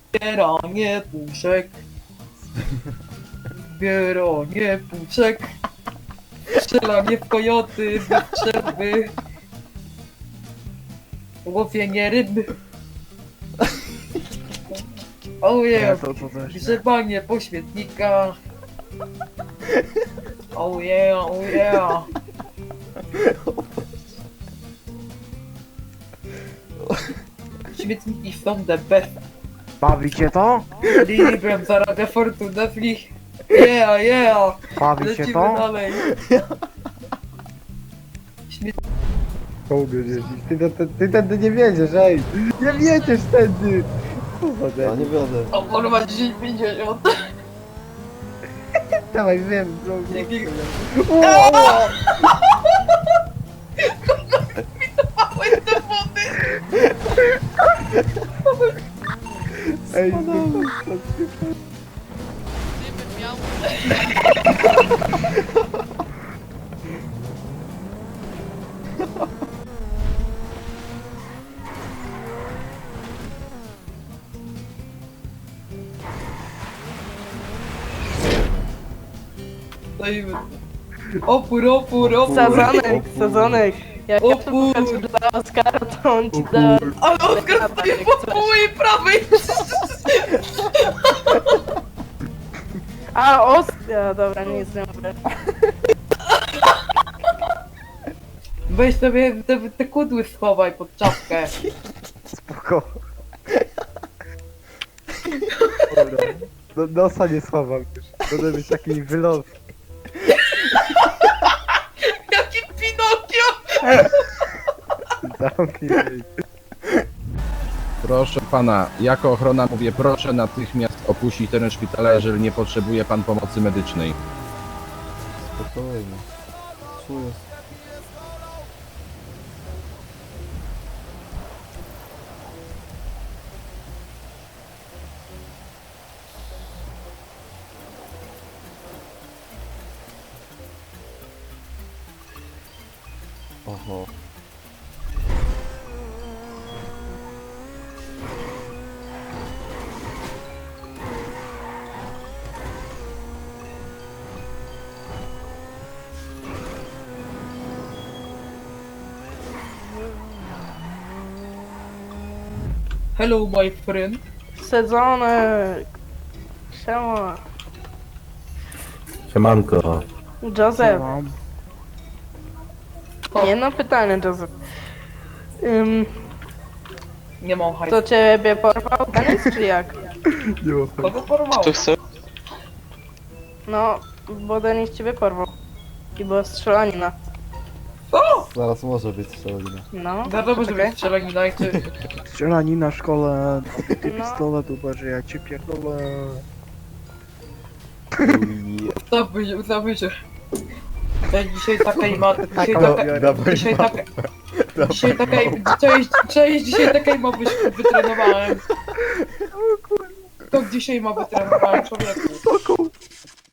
Zbieranie puszek. Zbieranie puszek. Strzelanie w kojoty, wystrzelby. Łowienie ryb. Ojej, grzebanie po śmietnikach. Oh yeah, oh yeah. Śmietniki są the best. Bawicie to? Librem zarabia fortunę w nich. Yeah, yeah. Bawicie Lecimy to? dalej. Ty tędy nie wiedziesz, ej! Nie wiedziesz tędy! Ja nie wiodę. O kurwa, 10,50. Dawaj, wiem, Dzięki. Małe te wody. Ej, Gdybym miał... Stoimy. Opór, opór, opór. Sadzonek. Jak ja to Opór. pokażę dla Oskara, to on ci da... Ale Oskar stoi po mojej prawej. A, Oskar! Dobra, nic nie mówię. Weź sobie te kudły schowaj pod czapkę. spoko. Nosa nie schowam już. Będę mieć taki wylot. Jaki Pinokio. Zamknij się. Proszę pana, jako ochrona mówię, proszę natychmiast opuścić teren szpitala, jeżeli nie potrzebuje pan pomocy medycznej. Spokojnie. Czuję. Oho. Hello my friend. Sadzonek. Siema. Siemanko. Joseph. Nie no, pytanie, Joseph. Nie mam hajsu. To ciebie porwał Denis, czy jak? Kogo porwało? No, bo Denis ciebie porwał. I była strzelanina. O! Zaraz może być strzelanina. No, Wiadomo, że czekaj. będzie strzelanina i ty... Strzelani na szkole, ty No. pistolet uważaj, ja cię pierdolę. Ustawmy się. Ja dzisiaj takiej ma... Dzisiaj taka... Dzisiaj takiej... Cześć, dzisiaj takiej ma być wytrenowałem. To dzisiaj ma wytrenowałem, człowieku.